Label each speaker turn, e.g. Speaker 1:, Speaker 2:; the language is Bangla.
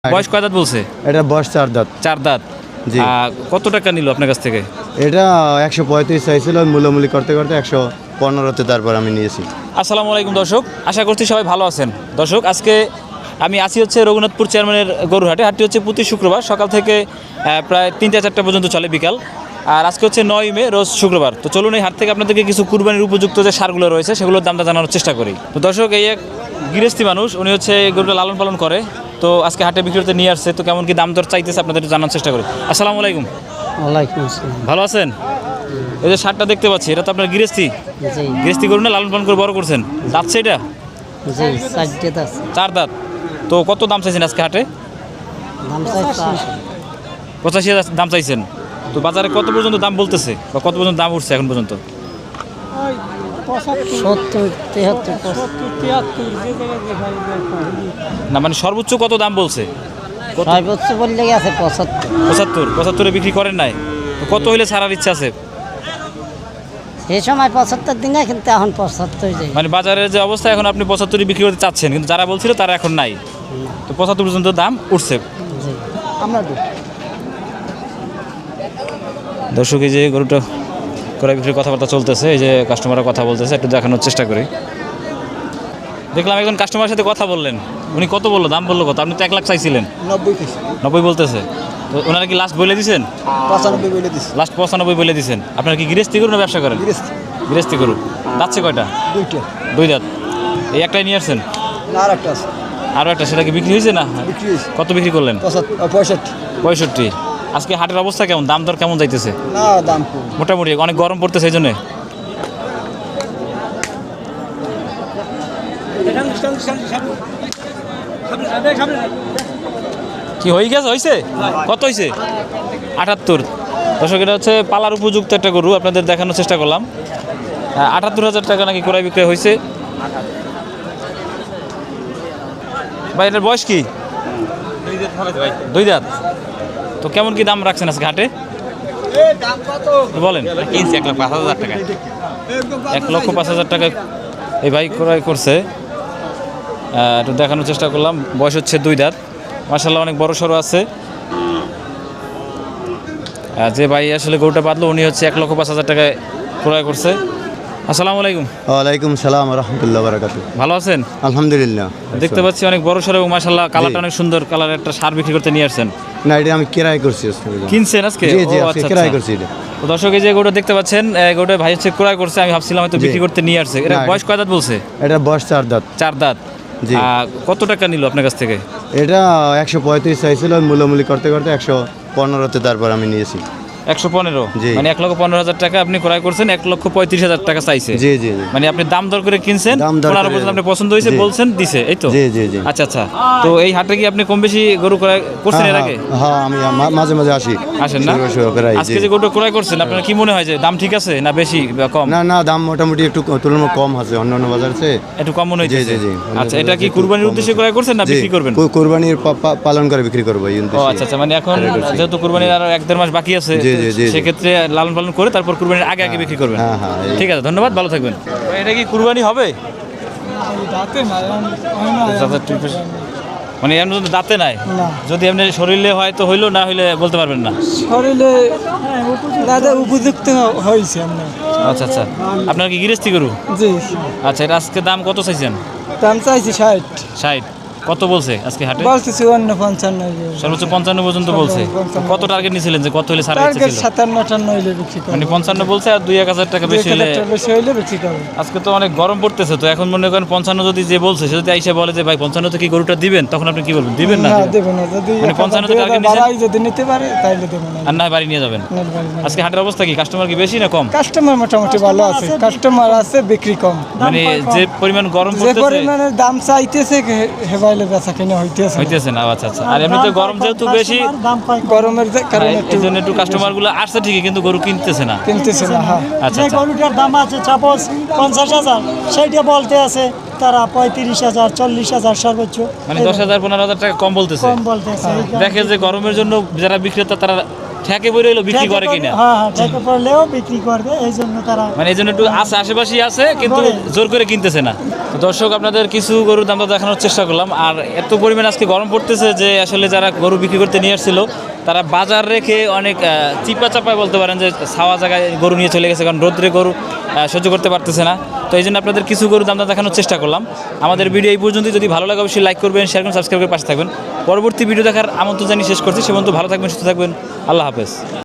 Speaker 1: বয়স কয় দাঁত বলছে?
Speaker 2: এটা বয়স 4 দাঁত।
Speaker 1: 4 দাঁত।
Speaker 2: জি।
Speaker 1: কত টাকা নিল আপনার কাছ থেকে?
Speaker 2: এটা 135 চাইছিল, মূল্যমূল্য করতে করতে 115তে তারপর আমি নিয়েছি।
Speaker 1: আসসালামু আলাইকুম দর্শক, আশা করছি সবাই ভালো আছেন। দর্শক, আজকে আমি আসি হচ্ছে রঘুনাথপুর চেয়ারম্যানের গরুহাটে। হাটটি হচ্ছে প্রতি শুক্রবার সকাল থেকে প্রায় 3টা-4টা পর্যন্ত চলে বিকাল। আর আজকে হচ্ছে 9 মে, রোজ শুক্রবার। তো চলুন এই হাট থেকে আপনাদেরকে কিছু কুরবানির উপযুক্ত যে সারগুলো রয়েছে সেগুলোর দামটা জানানোর চেষ্টা করি। তো দর্শক, এই এক গৃহস্থী মানুষ, উনি হচ্ছে গরুটা লালন পালন করে। তো আজকে হাটে বিক্রি করতে নিয়ে আসছে। তো কেমন কি দাম দর চাইতেছে আপনাদের একটু জানার চেষ্টা করি। আসসালামু আলাইকুম।
Speaker 3: ওয়ালাইকুম আসসালাম।
Speaker 1: ভালো আছেন? এই যে সারটা দেখতে পাচ্ছি, এটা তো আপনার গৃহস্থী
Speaker 3: জি
Speaker 1: গৃহস্থী গরু না, লালন পালন করে বড় করছেন? দাঁতছে এটা?
Speaker 3: জি, 4 দাঁত আছে।
Speaker 1: 4 দাঁত। তো কত দাম চাইছেন আজকে হাটে?
Speaker 3: দাম চাই
Speaker 1: 85,000 দাম চাইছেন। তো বাজারে কত পর্যন্ত দাম বলতেছে বা কত পর্যন্ত দাম উঠছে এখন পর্যন্ত?
Speaker 3: 70, 73,
Speaker 1: না মানে সর্বোচ্চ কত দাম বলছে?
Speaker 3: সর্বোচ্চ বললে গেছে 75।
Speaker 1: 75 বিক্রি করেন নাই? তো কত হইলে ছাড়ার ইচ্ছা আছে?
Speaker 3: সেই সময় 75 দিনে, কিন্তু এখন 75 যাই।
Speaker 1: মানে বাজারের যে অবস্থা এখন, আপনি 75 বিক্রি করতে চাচ্ছেন, কিন্তু যারা বলছিল তারা এখন নাই। তো 75 পর্যন্ত দাম উঠছে।
Speaker 3: জি আমরা
Speaker 1: দর্শক, এই যে গরুটা ক্রয় বিক্রির কথাবার্তা চলতেছে, এই যে কাস্টমাররা কথা বলতেছে, একটু দেখানোর চেষ্টা করি। দেখলাম একজন কাস্টমারের সাথে কথা বললেন, উনি কত বললো, দাম বললো কত? আপনি তো 1 লাখ চাইছিলেন। 90 বলতেছে। তো ওনারা কি লাস্ট বলে দিয়েছেন?
Speaker 2: 95 বলে দিছি।
Speaker 1: লাস্ট 95 বলে দিয়েছেন। আপনারা কি গৃহস্থী করুন না ব্যবসা করেন? গৃহস্থী করুন। দাঁতছে কয়টা? 2 দাঁত। এই একটাই নিয়ে আসছেন?
Speaker 2: না, আরেকটা আছে।
Speaker 1: আরও একটা, সেটা কি বিক্রি হয়েছে না?
Speaker 2: বিক্রি হয়েছে।
Speaker 1: কত বিক্রি করলেন?
Speaker 2: 65।
Speaker 1: 65। আজকে হাটের অবস্থা কেমন, দাম দর কেমন যাইতেছে?
Speaker 2: না, দাম কম।
Speaker 1: মোটামুটি অনেক গরম পড়তেছে, এই জন্যে। কি হয়ে গেছে? হয়েছে? কত হয়েছে? 78। দর্শক, এটা হচ্ছে পালার উপযুক্ত একটা গরু, আপনাদের দেখানোর চেষ্টা করলাম। 78,000 টাকা নাকি ক্রয় বিক্রয় হয়েছে। ভাই, এটার বয়স কি? 2 দাঁত। তো কেমন কি দাম রাখছেন আজকে হাটে বলেন?
Speaker 4: 1,05,000 টাকা।
Speaker 1: 1,05,000 টাকা এই ভাই ক্রয় করছে। একটু দেখানোর চেষ্টা করলাম। বয়স হচ্ছে 2 দাঁত। মাশাআল্লাহ অনেক বড় সড়ো আছে। যে ভাই আসলে গরুটা বাঁধলো, উনি হচ্ছে 1,05,000 টাকায় ক্রয় করছে। আসসালামু আলাইকুম।
Speaker 2: ওয়ালাইকুম সালাম ওয়া রাহমাতুল্লাহি ওয়া বারাকাতুহু।
Speaker 1: ভালো আছেন?
Speaker 2: আলহামদুলিল্লাহ।
Speaker 1: দেখতে পাচ্ছি অনেক বড় সড়ো এবং মাশাআল্লাহ কালারটা অনেক সুন্দর। কালারের একটা সার বিক্রি করতে নিয়ে আসছেন।
Speaker 2: না, এটা আমি ক্রয় করছি আজকে।
Speaker 1: কিনছেন আজকে?
Speaker 2: জি জি,
Speaker 1: ও,
Speaker 2: আজকে
Speaker 1: আচ্ছা,
Speaker 2: ক্রয়
Speaker 1: আচ্ছা।
Speaker 2: করছি এটা।
Speaker 1: তো দর্শক, এই যে গরুটা দেখতে পাচ্ছেন, গরুটা ভাই হচ্ছে ক্রয় করছে। আমি ভাবছিলাম হয়তো বিক্রি করতে নিয়ে আসছে। এটা
Speaker 2: না,
Speaker 1: বয়স কয় দাঁত বলছে?
Speaker 2: এটা বয়স 4 দাঁত।
Speaker 1: 4 দাঁত।
Speaker 2: জি।
Speaker 1: কত টাকা নিল আপনার কাছ থেকে?
Speaker 2: এটা 135 চাইছিল, মূল্যমূল্য করতে করতে 115তে তারপর আমি নিয়েছি।
Speaker 1: 115।
Speaker 2: জি।
Speaker 1: মানে 1,15,000 টাকা আপনি ক্রয় করছেন, 1,35,000 টাকা চাইছে।
Speaker 2: জি জি জি।
Speaker 1: মানে আপনি দাম দর করে কিনছেন,
Speaker 2: দাম দর
Speaker 1: 15
Speaker 2: করে।
Speaker 1: পর্যন্ত আপনি পছন্দ হয়েছে
Speaker 2: জি।
Speaker 1: বলছেন, দিছে, এই তো?
Speaker 2: জি জি জি।
Speaker 1: আচ্ছা আচ্ছা। তো এই হাটে কি আপনি কম বেশি গরু ক্রয় করছেন এর আগে?
Speaker 2: হ্যাঁ, আমি মাঝে মাঝে আসি।
Speaker 1: আসেন না?
Speaker 2: প্রায়।
Speaker 1: আজকে যে গরুটা ক্রয় করছেন, আপনার কি মনে হয় যে দাম ঠিক আছে না বেশি বা কম?
Speaker 2: না না, দাম মোটামুটি একটু তুলনামূলক কম আছে অন্যান্য বাজার চেয়ে।
Speaker 1: একটু কম মনে
Speaker 2: জি
Speaker 1: হইতেছে।
Speaker 2: জি জি।
Speaker 1: আচ্ছা, এটা কি কুরবানির উদ্দেশ্যে ক্রয় করছেন না
Speaker 2: জি,
Speaker 1: বিক্রি করবেন?
Speaker 2: কুরবানির পালন করে বিক্রি করবো এই
Speaker 1: ও
Speaker 2: উদ্দেশ্যে।
Speaker 1: আচ্ছা আচ্ছা। মানে এখন যেহেতু কুরবানির আরো 1-1.5 মাস বাকি আছে,
Speaker 2: জি, জি, জি, জি।
Speaker 1: সেক্ষেত্রে লালন পালন করে তারপর কুরবানির আগে আগে বিক্রি করবেন।
Speaker 2: হ্যাঁ হ্যাঁ।
Speaker 1: ঠিক আছে, ধন্যবাদ, ভালো থাকবেন। এটা কি কুরবানি হবে? মানে এমন দাঁতে নাই? যদি এমনি শরীরে হয় তো হইলো, না হইলে বলতে পারবেন না?
Speaker 5: শরীরে দাদা উপযুক্ত হয়েছে আমরা।
Speaker 1: আচ্ছা আচ্ছা। আপনার কি গৃহস্থী গরু?
Speaker 5: জি।
Speaker 1: আচ্ছা, এটা আজকে দাম কত চাইছেন?
Speaker 5: দাম চাইছি 60।
Speaker 1: 60। কত বলছে আজকে হাটে?
Speaker 5: বলছি 54-55।
Speaker 1: সর্বোচ্চ 55 পর্যন্ত বলছে। কত টার্গেট নিয়েছিলেন যে কত হলে ছাড়া ইচ্ছা
Speaker 5: টার্গেট
Speaker 1: ছিল?
Speaker 5: 57-58 হইলে বিক্রি করব।
Speaker 1: মানে 55 বলছে, আর 2-1,000 টাকা বেশি হলে?
Speaker 5: বেশি হইলে বিক্রি করব।
Speaker 1: আজকে তো অনেক গরম পড়তেছে, তো এখন মনে করেন 55 যদি যে বলছে সে যদি আইসা বলে যে ভাই 55 তে কি গরুটা দিবেন, তখন আপনি কি বলবেন? দিবেন না?
Speaker 5: না, দেব না। যদি
Speaker 1: মানে 55 তে টার্গেট নিছেন?
Speaker 5: বাড়াই যদি নিতে পারে তাইলে দেব না।
Speaker 1: আর না বাড়ি নিয়ে যাবেন? আজকে হাটের অবস্থা কি, কাস্টমার কি বেশি না কম?
Speaker 5: কাস্টমার মোটামুটি ভালো আছে, কাস্টমার আছে, বিক্রি কম।
Speaker 1: মানে যে পরিমাণ গরম
Speaker 5: যে
Speaker 1: পড়তেছে
Speaker 5: পরিমাণে দাম চাইতেছে হেবাইলে বেচা কিনা
Speaker 1: হইতেছে না। আচ্ছা আচ্ছা। আর এমনিতে গরম যেহেতু বেশি,
Speaker 5: গরমের কারণে
Speaker 1: এই জন্য একটু কাস্টমার গুলো আসছে ঠিকই, কিন্তু গরু কিনতেছে না।
Speaker 5: কিনতেছে না। হ্যাঁ।
Speaker 1: আচ্ছা
Speaker 6: যে
Speaker 1: আচ্ছা।
Speaker 6: গরুটার দাম আছে সাপোজ 50,000, সেইটা বলতে আছে তারা 35,000, 40,000 সর্বোচ্চ।
Speaker 1: মানে 10,000-15,000 টাকা কম বলতেছে।
Speaker 6: কম বলতেছে।
Speaker 1: দেখে যে গরমের জন্য যারা বিক্রেতা তারা ঠেকে পড়ে এলো বিক্রি করে কিনা,
Speaker 6: হ্যাঁ হ্যাঁ ঠেকে পড়লেও বিক্রি করবে, এই জন্য তারা
Speaker 1: মানে এই জন্য একটু আছে আশেপাশেই আছে কিন্তু
Speaker 6: করে।
Speaker 1: জোর করে কিনতেছে না। তো দর্শক আপনাদের কিছু গরুর দামটা দেখানোর চেষ্টা করলাম। আর এত পরিমাণ আজকে গরম পড়তেছে যে আসলে যারা গরু বিক্রি করতে নিয়ে আসছিল তারা বাজার রেখে অনেক চিপা চাপায় বলতে পারেন যে ছাওয়া জায়গায় গরু নিয়ে চলে গেছে, কারণ রোদ্রে গরু সহ্য করতে পারতেছে না। তো এই জন্য আপনাদের কিছু গরুর দামটা দেখানোর চেষ্টা করলাম। আমাদের ভিডিও এই পর্যন্তই। যদি ভালো লাগে অবশ্যই লাইক করবেন, শেয়ার করবেন, সাবস্ক্রাইব করে পাশে থাকবেন। পরবর্তী ভিডিও দেখার আমন্ত্রণ জানিয়ে শেষ করছি। সে পর্যন্ত ভালো থাকবেন, সুস্থ থাকবেন। আল্লাহ হাফেজ।